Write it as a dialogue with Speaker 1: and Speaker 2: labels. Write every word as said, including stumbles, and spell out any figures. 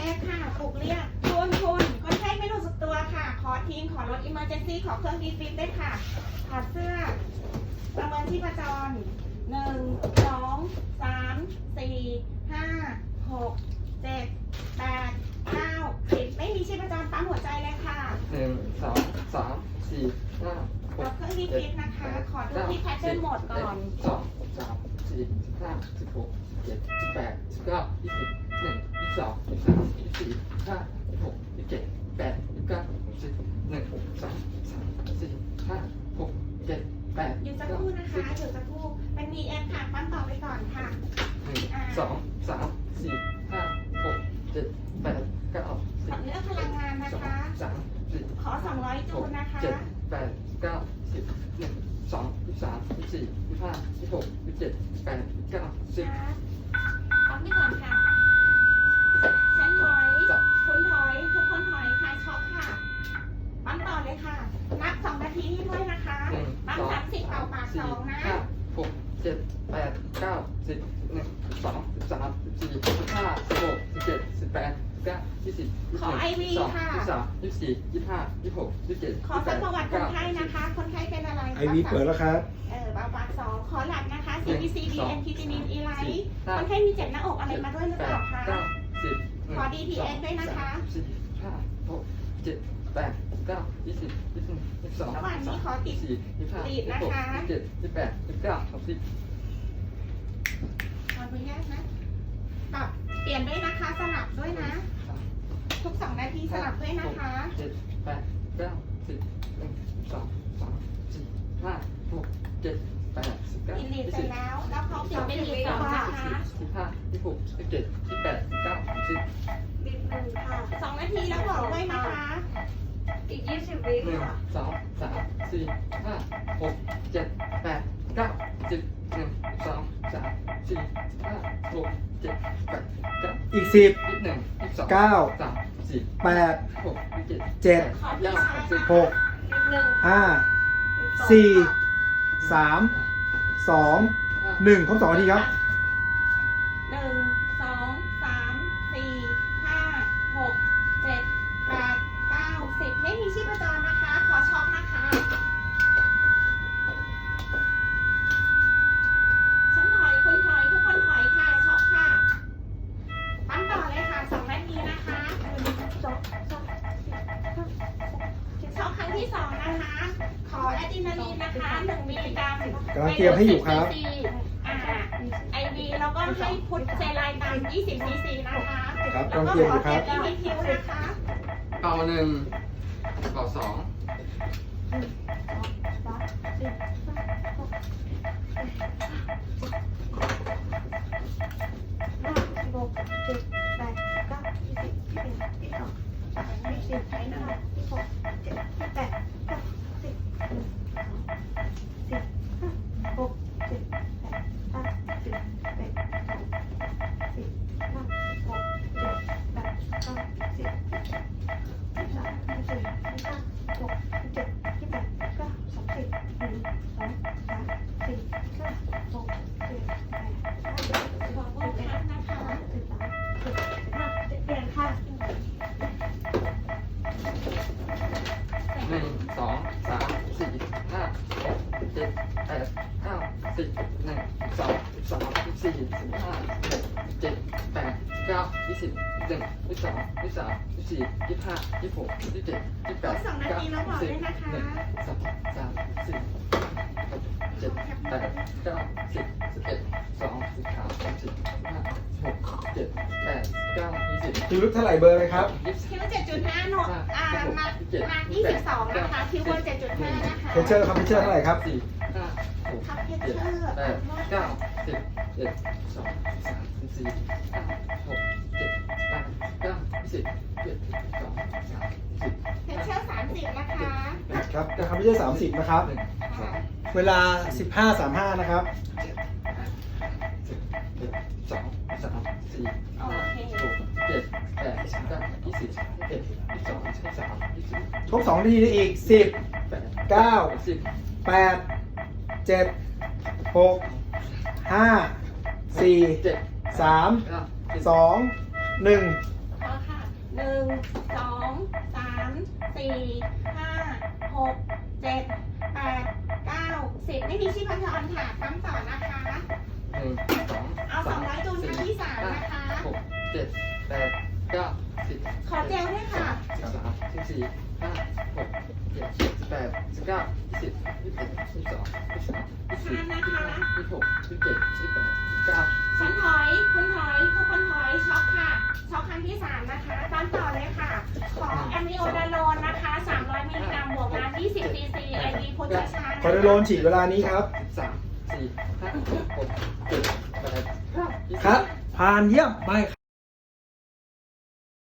Speaker 1: สค่ะปลุกเรียกคุณคุณคนไข้ไม่รู้สึกตัวค่ะขอทีมขอรถอิมเมอร์เจนซี่ขอเครื่องดีฟิปได้ค่ะถอดเสื้อประเมินชีพจรหนึ่งสองสามสี่ห้าหกเจ็ดแปดเก้าสิบไม่มีชีพจรปั๊มหัวใจเลยค่ะ
Speaker 2: หนึ่งสองสามสี่ห้าห
Speaker 1: ขอก เครื่องดีฟิปนะคะขอดูที่แพทเทิร์นโหมดก่อน
Speaker 2: สองสามสี่สิบห้าสิบหกเจ็ดสิบแปดสิบเก้ายี่สิบหนึ่งยี่สิบสองยี่สิบสามยี่สิบสี่ห้ายี่สิบหกยี่สิบเจ็ดแปดยี่สิบเก้าสิบหนึ่งสองสามสี่ห้าหกเจ็ดแปด
Speaker 1: หยุดสักครู่นะคะหยุดสักครู่เป็น วี เอ็ม ค่ะปั๊มต่อไปก่อนค่ะ
Speaker 2: หนึ่งสองสามสี่ห้าหกเจ็ดแปดเก้าสิบ
Speaker 1: เลือกพลังงานนะคะ
Speaker 2: สามสี่
Speaker 1: ขอสองร้อยจูลนะคะ
Speaker 2: เจ็ดแปดเก้าสิบหนึ่งสองยี่สิบสามยี่สิบสี่ยี่สิบห้ายี่สิบหกยี่สิบเจ็ดแปดเก้าสิบ
Speaker 1: ปั๊มไปก่อนค่ะฉันถอยคุณถอยทุกคนถอยคลายช็อคค่ะปั๊มต่อเลยค่ะนับสองนาทีให้ด้วยนะคะปั๊มสามสิบเป่าปากสองนะ
Speaker 2: ห้าหกเจ็ดแปดเก้าสิบหนึ่งสองสิบสามสิบสี่สิบห้าสิบหกสิบเจ็ดสิบแปดเก้ายี่สิบยี่สิบเอ็ดยี่สิบสองยี่สิบสามยี่สิบสี่ยี่สิบห้ายี่สิบหกยี่สิบเจ็ด
Speaker 1: ขอสักประวัติคนไข้นะคะ คนไข้เป็นอะไร
Speaker 3: ไอวีเปิดแล้วครับ
Speaker 1: เออเป่าปากสองขอหลักนะคะ ซี บี ซี ดี เอ็น คิจินิน อีไลท์คนไข้มีเจ็บหน้าอกอะไรมาด้วยหรือเปล่าคะ
Speaker 2: เก้าสิบ
Speaker 1: ขอ ดี พี เอ็น ด้วยนะคะ
Speaker 2: สี่ห้าหกเจ็ดแปดเก้ายี่สิบยี่สิบหนึ่งยี่สิบสอง
Speaker 1: ระหว่างนี้ขอติด
Speaker 2: สี่ยี่สิบห้า
Speaker 1: ติ
Speaker 2: ยี่
Speaker 1: ด
Speaker 2: สิบ
Speaker 1: นะ
Speaker 2: หก
Speaker 1: คะ
Speaker 2: ยี่สิบเจ็ดยี่สิบแปดยี่สิบเก้าสามสิบ
Speaker 1: ขออนุญาตนะปรับเปลี่ยนด้วยนะคะ สลับด้วยนะ ทุกสองนาทีสลับด้วยนะคะ
Speaker 2: เจ็ดแปดเก้าสิบหนึ่งสองสามสี่ห้าหกเจ็ดแปดสิบเก้า
Speaker 1: อินลี
Speaker 2: ยี่
Speaker 1: ดเสร็
Speaker 2: สิ
Speaker 1: จ
Speaker 2: บ
Speaker 1: แล้ว แล้วเขาเปลี่ยนเป็นลีดสองนะคะ
Speaker 2: สิบห้ายี่สิบหกยี่สิบเจ็ดยี่สิบแปดยี่สิบเก้าสามสิบ
Speaker 4: อีกหนึ่งค่ะ
Speaker 1: สองนาทีแล้วบอกด้วยนะคะ
Speaker 4: อีกยี่สิบวิ
Speaker 2: หนึ่ง
Speaker 4: ค่ะ
Speaker 2: สองสามสี่ห้าหกเจ็ดแปดเก้าสิบหนึ่งสองสามสี่ห้าหกเจ็ดแปดเก้า
Speaker 3: อีกสิบ
Speaker 2: ยี่สิบหนึ่งยี่สิบสอง
Speaker 3: เก้า
Speaker 2: สามสี่
Speaker 3: แปด
Speaker 2: หกยี่สิบ
Speaker 3: เจ็ด
Speaker 1: ขอที่
Speaker 2: เก้า
Speaker 1: ชาร์จ
Speaker 2: สิบ
Speaker 1: นะ
Speaker 3: ห
Speaker 1: คะ
Speaker 3: ก
Speaker 4: อีกหนึ่ง
Speaker 3: ห้า
Speaker 4: อีกอง
Speaker 3: สี่
Speaker 4: ค่ะ
Speaker 3: สามสองหนึ่งครบสองนาทีครับ
Speaker 1: หนึ่งสองสามสี่ห้าหกเจ็ดแปดเก้าสิบไม่มีชีพจรนะคะ ขอช็อคนะคะ ฉันถอยคุณถอยทุกคนถอยค่ะช็อคค่ะปั๊มต่อเลยค่ะสองนาทีนะคะช็อคครั้งที่สองนะคะ ขออะดรีนาลีนนะคะหนึ่งมิลลิกรัม
Speaker 3: กำลังเตรียมให้อยู่ครับ
Speaker 1: อ่าไอวีแล้วก็ให้พุทธเซไลน์ตามยี่สิบซีซีนะคะ
Speaker 3: ครับ
Speaker 1: แล้ว
Speaker 3: กำลัง
Speaker 1: ก็
Speaker 3: เตรียม
Speaker 1: ข
Speaker 3: อ
Speaker 1: อยู่
Speaker 3: ค
Speaker 1: เท
Speaker 3: รับ
Speaker 1: ปอีพีคิวนะคะ
Speaker 2: เป่าหนึ่งเป่าสอง
Speaker 4: ห้าหกเจ็ดแปดเก้ายี่สิบยี่สิบเอ็ดยี่สิบสองสามยี่สิบสี่ห้ายี่สิบหกเจ็ดยี่สิบแปดเก้าสิบหนึ่งสองสี่ห้าหกเจ็ดแปดเก้าสิบเอ็ดสองสี่ห้าหกเจ็ดแปดเก้าสิบยี่สิบสามยี่สิบสี่ยี่สิบห้าหกเจ็ดยี่สิบแปดเก้าสามสิบหนึ่งสองสามสี่ห้าหกเจ็ดแปดเก้าสิบสิบ
Speaker 1: ขอบคุณค่ะนะคะ
Speaker 4: สิบสามสิบสี่ห้าเจ็ดเปลี่ยนค่ะ
Speaker 2: หนึ่งสองสามสี่ห้าหกเจ็ดแปดเก้าสิบหนึ่งสองสามสี่สิบห้าหกเจ็ดแปดเก้ายี่สิบหนึ่งยี่สิบสองยี่สิบสามยี่สิบสี่ยี่สิบห้ายี่สิบหกยี่สิบเจ็ดยี่สิบแปดเก้าสิบหนึ่งสองสามสี่หกเจ็ดแปดเก้าสิบสิบเอ็ดสองสิบสามสิบสี่สิบห้าหกเจ็ดแปดเก้ายี่สิบ
Speaker 3: คิวลึกเท่าไหร่เบอร์เลยครับ
Speaker 2: ยี่สิบ
Speaker 1: คิวเจ็ดจุดห้าหนวดอ่ามามายี่สิบสองนะคะคิวเบอร์เจ็ดจุดห้านะคะ
Speaker 3: เพชเชอร์ครับเพชเชอร์เท่าไหร่ครับ
Speaker 2: สี่ห้าหก
Speaker 1: ทับเพช
Speaker 2: เจ็ด
Speaker 1: เชอร์
Speaker 2: แปดเก้าสิบเอ็ดสองสามสี่ห้าหกเจ็ดแปดเก้าสิบเจ็ดสองสามสิบ
Speaker 1: เพชเชอร์สามสิบนะคะ
Speaker 3: ครับนะครับเพชเชอร์สามสิบนะครับ
Speaker 2: หนึ่งสอง
Speaker 3: เวลาสิบห้าสามห้านะครับ
Speaker 2: สิบเอ็ดสองสามสี่
Speaker 1: โอ
Speaker 2: ห้า
Speaker 1: เค
Speaker 2: หกเจ็ดแปดเก้ายี่สิบเอ็ดยี่สิบสองยี่สิบสามยี่สิบ
Speaker 3: ครบสองนาทีได้อีกสิบ
Speaker 2: แปด
Speaker 3: เก้า
Speaker 2: สิบ
Speaker 3: แปดเจ็ดหกห้าสี่
Speaker 2: เจ็ด
Speaker 3: สาม
Speaker 2: เก้าสิบ
Speaker 3: สองหนึ่ง
Speaker 1: พอค่ะหนึ่งสองสามสี่ห้าหกเจ็ดแปดเก้าสิบไม่มีชีพจรค่ะปั๊มต่อนะคะ
Speaker 2: หนึ่งสอง
Speaker 1: เอาสองร้อยจูนครั้งที่สามนะคะ
Speaker 2: หกเจ็ดแปดเก้าสิบ
Speaker 1: ขอเจลด้วยค่ะ
Speaker 2: สิบสามสิบสี่ห้าหกเจ็ดสิบแปดสิบเก้ายี่สิบยี่สิบเอ็ดยี่สิบสองยี่สิบสามยี่สิบสี่ยี่สิบห้ายี่สิบหกยี่สิบเจ็ดยี่สิบแปดยี่สิบเก้า
Speaker 1: ฉันถอย คุณถอยทุกคนถอยช็อคค่ะ ช็อคครั้งที่สามนะคะตามต่อเลยค่ะ ของแอมนิโอดาโลนนะคะ สามร้อยมิลลิกรัมบวกน้ำยี่สิบซีซี ไอ วี พุทธชาญ
Speaker 3: คอร์ดิโลนฉีดเวลานี้ครับ
Speaker 2: สิบสามสี่ห้าหกเจ็ดแปดเก้ายี่สิบ
Speaker 3: ครับ ผ่านเยี่ยมไป